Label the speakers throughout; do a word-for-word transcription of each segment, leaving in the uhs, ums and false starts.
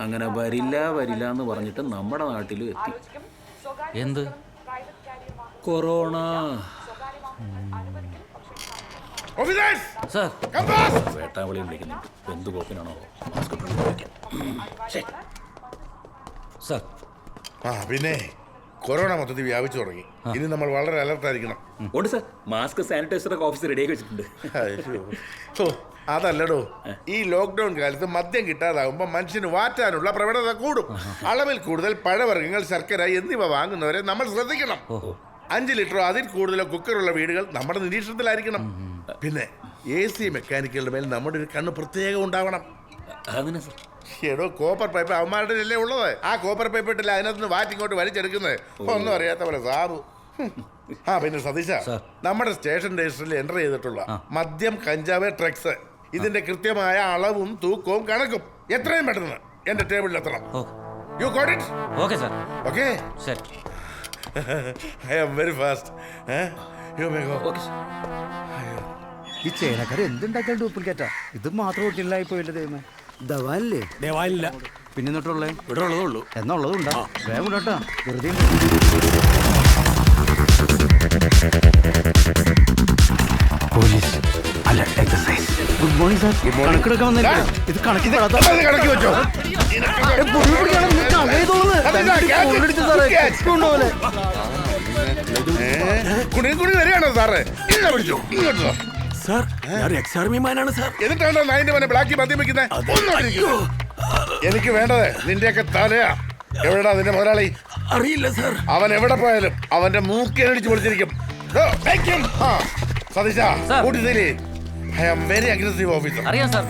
Speaker 1: അങ്ങനെ വരില്ല വരില്ല എന്ന് പറഞ്ഞിട്ട് നമ്മുടെ നാട്ടിലും എത്തി.
Speaker 2: എന്ത്
Speaker 1: കൊറോണ.
Speaker 2: സാർ
Speaker 1: വേട്ടാവളി വിളിക്കുന്നുണ്ട്. എന്ത് കോപ്പിനാണോ
Speaker 2: സാർ?
Speaker 3: ആ പിന്നെ കൊറോണ മൊത്തത്തിൽ വ്യാപിച്ചു തുടങ്ങി. ഇനി നമ്മൾ വളരെ അലർട്ടായിരിക്കണം.
Speaker 1: ഉണ്ട് സാർ. മാസ്ക് സാനിറ്റൈസറൊക്കെ ഓഫീസ് റെഡിയാക്കി വെച്ചിട്ടുണ്ട്.
Speaker 3: ഓ അതല്ലടോ, ഈ ലോക്ക്ഡൌൺ കാലത്ത് മദ്യം കിട്ടാതാകുമ്പോൾ മനുഷ്യന് വാറ്റാനുള്ള പ്രവണത കൂടും. അളവിൽ കൂടുതൽ പഴവർഗ്ഗങ്ങൾ, ശർക്കര എന്നിവ വാങ്ങുന്നവരെ നമ്മൾ ശ്രദ്ധിക്കണം. അഞ്ച് ലിറ്ററോ അതിൽ കൂടുതലോ കുക്കറുള്ള വീടുകൾ നമ്മുടെ നിരീക്ഷണത്തിലായിരിക്കണം. പിന്നെ എ സി മെക്കാനിക്കുകളുടെ മേൽ നമ്മുടെ ഒരു കണ്ണ് പ്രത്യേകം ഉണ്ടാവണം.
Speaker 1: അങ്ങനെ സാർ.
Speaker 3: എടോ, കോപ്പർ പൈപ്പ് അവന്മാരുടെ അല്ലേ ഉള്ളത്. ആ കോപ്പർ പൈപ്പ് ഇട്ടില്ല അതിനകത്ത് വാറ്റിങ്ങോട്ട് വലിച്ചെടുക്കുന്നത്. ഒന്നും അറിയാത്ത പോലെ സാബു. ആ പിന്നെ സതീശ, നമ്മുടെ സ്റ്റേഷൻ രജിസ്റ്ററിൽ എൻ്റർ ചെയ്തിട്ടുള്ള മദ്യം, കഞ്ചാവ്, ഡ്രഗ്സ് ഇതിന്റെ കൃത്യമായ അളവും തൂക്കവും കണക്കും എത്രയും പെട്ടെന്ന് എന്റെ ടേബിളിൽ എത്തണം. You got it?
Speaker 2: Okay sir.
Speaker 3: Okay.
Speaker 2: Set.
Speaker 3: I am very fast. You may go.
Speaker 1: Okay.
Speaker 4: ഈ ചേനക്കാര് എന്തുണ്ടാക്കാൻ ഡ്യൂപ്ലിക്കേറ്റാ? ഇത് മാത്രം ഒട്ടില്ലായി പോയില്ല ദൈവമേ. ദവാല്ലേ?
Speaker 5: ദേവാലില്ല.
Speaker 4: പിന്നെ എന്നിട്ടുള്ളേ
Speaker 5: ഇവിടെ ഉള്ളതേ ഉള്ളൂ.
Speaker 4: എന്നുള്ളതുണ്ടാ വേഗം കേട്ടാ. വെറുതെ പോലീസ് അല്ല എക്സസൈസ്. Good morning sir. കണക്കെടുക്കാൻ വന്നില്ല. ഇത് കണക്കിൽ
Speaker 3: കണക്കി വെച്ചോ. കുണി കുണി വരികയാണോ സാറേ? ഇല്ല പിടിച്ചോ. ഇങ്ങോട്ടോ
Speaker 5: സാർ, ഞാൻ എക്സ് ആർമി മാനാണ് സാർ.
Speaker 3: എന്നിട്ടാണോ നായിന്റെ മനെ ബ്ലാക്കി മദ്യം വെക്കുന്നത്? എനിക്ക് വേണ്ടത് നിന്റെയൊക്കെ തലയാ. എവിടെടാ നിന്റെ മുതലാളി?
Speaker 5: അറിയില്ല സാർ.
Speaker 3: അവൻ എവിടെ പോയാലും അവന്റെ മൂക്കേനടിച്ച് പൊളിച്ചിരിക്കും. സതീശ, കൂട്ടിത്തിരി. I am very aggressive officer.
Speaker 2: അറിയാം സാർ.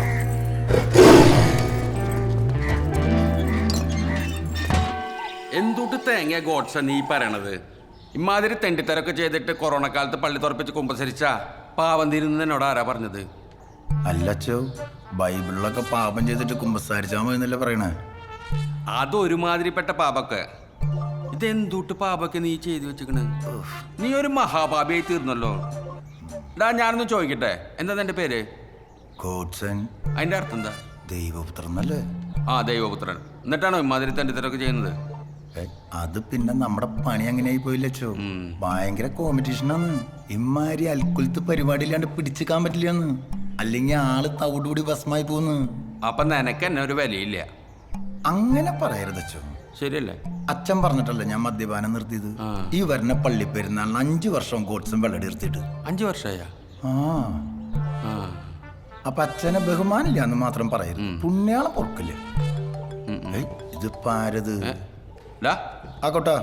Speaker 6: എന്തുട്ട് തേങ്ങ ഗോഡ്സ നീ പറയണത്? ഇമാതിരി തെണ്ടിത്തരൊക്കെ ചെയ്തിട്ട് കൊറോണ കാലത്ത് പള്ളി തുറപ്പിച്ച് കുമ്പസരിച്ച പാവം തീരുന്നതിനോട് ആരാ പറഞ്ഞത്?
Speaker 7: അല്ലച്ചോ, ബൈബിളിലൊക്കെ പാപം ചെയ്തിട്ട് കുമ്പസാരിച്ചാൽ മതി എന്നല്ലേ പറയണേ?
Speaker 6: അതൊരുമാതിരിപ്പെട്ട പാപൊക്കെ. ഇതെന്തുട്ട് പാപൊക്കെ നീ ചെയ്തു വെച്ചിക്കണ്? നീ ഒരു മഹാപാപിയായി തീർന്നല്ലോ. ഡാ, ഞാനൊന്ന് ചോദിക്കട്ടെ, എന്താ നിന്റെ പേര്?
Speaker 7: ഗോഡ്സൺ.
Speaker 6: അതിന്റെ അർത്ഥം എന്താ?
Speaker 7: ദൈവപുത്രൻ എന്നല്ലേ?
Speaker 6: ആ, ദൈവപുത്രൻ. എന്നിട്ടാണോ ഇമാതിരി തെണ്ടിത്തരൊക്കെ ചെയ്യുന്നത്?
Speaker 7: അത് പിന്നെ നമ്മുടെ പണി അങ്ങനെയായി പോയില്ലച്ചോ. ഭയങ്കര കോമ്പറ്റീഷനാണ്. ഇമ്മാരി അൽക്കുലത്ത് പരിപാടിയില്ലാണ്ട് പിടിച്ചിക്കാൻ പറ്റില്ലെന്ന്. അല്ലെങ്കിൽ ആള് തവിടുകൂടി ഭസ്മായി പോന്ന്.
Speaker 6: അപ്പൊ നിനക്ക് എന്നെ ഒരു വിലയില്ല.
Speaker 7: അങ്ങനെ പറയരുതച്ചോ.
Speaker 6: ശരിയല്ലേ?
Speaker 7: അച്ഛൻ പറഞ്ഞിട്ടല്ലേ ഞാൻ മദ്യപാനം നിർത്തിയത്. ഈ വരുന്ന പള്ളി പെരുന്നാളിന് അഞ്ചു വർഷം ഗോഡ്സൺ വെള്ളടി നിർത്തിയിട്ട്.
Speaker 6: അഞ്ചു വർഷമായ?
Speaker 7: ആ അപ്പൊ അച്ഛനെ ബഹുമാനില്ല എന്ന് മാത്രം പറയരുത്. പുണ്യാളം പൊറക്കില്ല. ഇതിപ്പോ ആരത്? ആക്കോട്ടാ.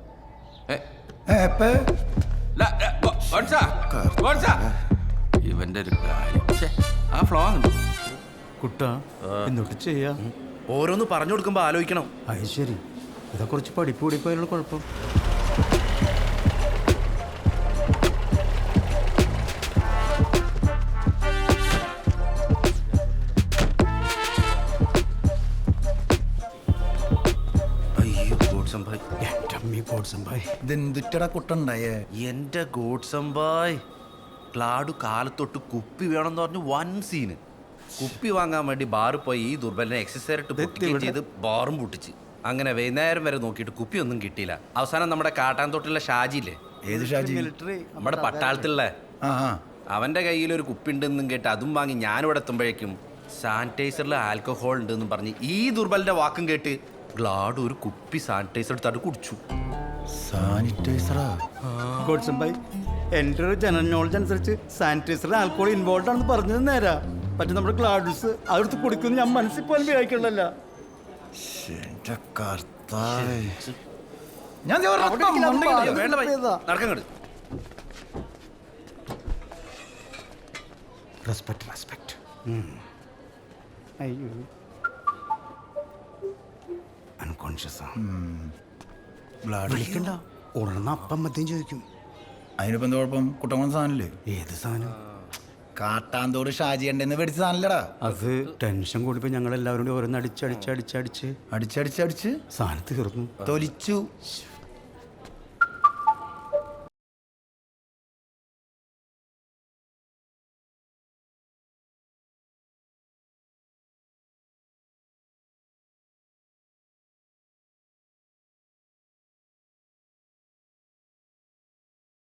Speaker 6: ഇവന്റെ ഒരു കാര്യം. ആ ഫ്ലോ
Speaker 4: കുട്ടാ എന്നിട്ട് ചെയ്യാ.
Speaker 5: ഓരോന്ന് പറഞ്ഞു കൊടുക്കുമ്പോ ആലോചിക്കണം.
Speaker 4: അത് ശരി. ഇതാ കുറച്ച് പഠിപ്പ് കൂടിപ്പോയാലുള്ള കുഴപ്പം.
Speaker 7: ഇതെന്തുറ്റടാ കുട്ടുണ്ടായേ?
Speaker 5: എന്റെ ഗോഡ്സംബായ്, ക്ലാഡു കാലത്തൊട്ട് കുപ്പി വേണമെന്ന് പറഞ്ഞു വൻ സീന്. കുപ്പി വാങ്ങാൻ വേണ്ടി ബാറിൽ പോയി ഈ ദുർബലിനെ എക്സസൈസ് പൊട്ടിക്കുകയും ചെയ്ത് ബാറും പൊട്ടിച്ച്. അങ്ങനെ വൈകുന്നേരം വരെ നോക്കിയിട്ട് കുപ്പി ഒന്നും കിട്ടിയില്ല. അവസാനം നമ്മുടെ കാട്ടാൻ തൊട്ടുള്ള ഷാജിയില്ലേ?
Speaker 7: ഏത് ഷാജി?
Speaker 5: നമ്മുടെ പട്ടാളത്തിലുള്ള.
Speaker 7: ആ
Speaker 5: അവന്റെ കയ്യിൽ ഒരു കുപ്പി ഉണ്ടെന്നും കേട്ട് അതും വാങ്ങി ഞാനിവിടെ എത്തുമ്പോഴേക്കും സാനിറ്റൈസറിൽ ആൽക്കഹോൾ ഉണ്ടെന്നും പറഞ്ഞ് ഈ ദുർബലിന്റെ വാക്കും കേട്ട് ഗ്ലാഡ് ഒരു കുപ്പി സാനിറ്റൈസർ എടുത്താട്ട് കുടിച്ചു.
Speaker 7: സാനിറ്റൈസറാ?
Speaker 4: ഗോഡ്സൺ ഭായ്, എൻ്റെ ഒരു ജനറൽ നോളജ് അനുസരിച്ച് സാനിറ്റൈസറിൽ ആൽക്കോഹോൾ ഇൻവോൾവ് ആണെന്ന് പറഞ്ഞത് നേരാ. പക്ഷെ നമ്മുടെ ഗ്ലാഡ്സ് അതെടുത്ത് കുടിക്കുന്നു ഞാൻ മനസ്സിൽ പോലും വിചാരിക്കണല്ലോ.
Speaker 7: ഞാൻ
Speaker 5: നടക്കങ്ങട്.
Speaker 4: Respect respect. അയ്യോ, അൺകോൺഷ്യസ്. വിളിക്കണ്ട, ഉടനെ അപ്പം മദ്യം ചോദിക്കും.
Speaker 7: അതിനിപ്പോ എന്താ കുഴപ്പം? കുട്ടമ്മ സാധനല്ലേ?
Speaker 4: ഏത് സാധനം?
Speaker 7: കാട്ടാന്തോട് ഷാജി ഉണ്ടെന്ന് മേടിച്ച സാധനല്ലടാ.
Speaker 4: അത് ടെൻഷൻ കൂടിപ്പോ ഞങ്ങൾ എല്ലാവരും ഓരോന്ന് അടിച്ചടിച്ചടിച്ചടിച്ച്
Speaker 7: അടിച്ചടിച്ചടിച്ച്
Speaker 4: സാധനം തീർന്നു,
Speaker 7: തൊലിച്ചു.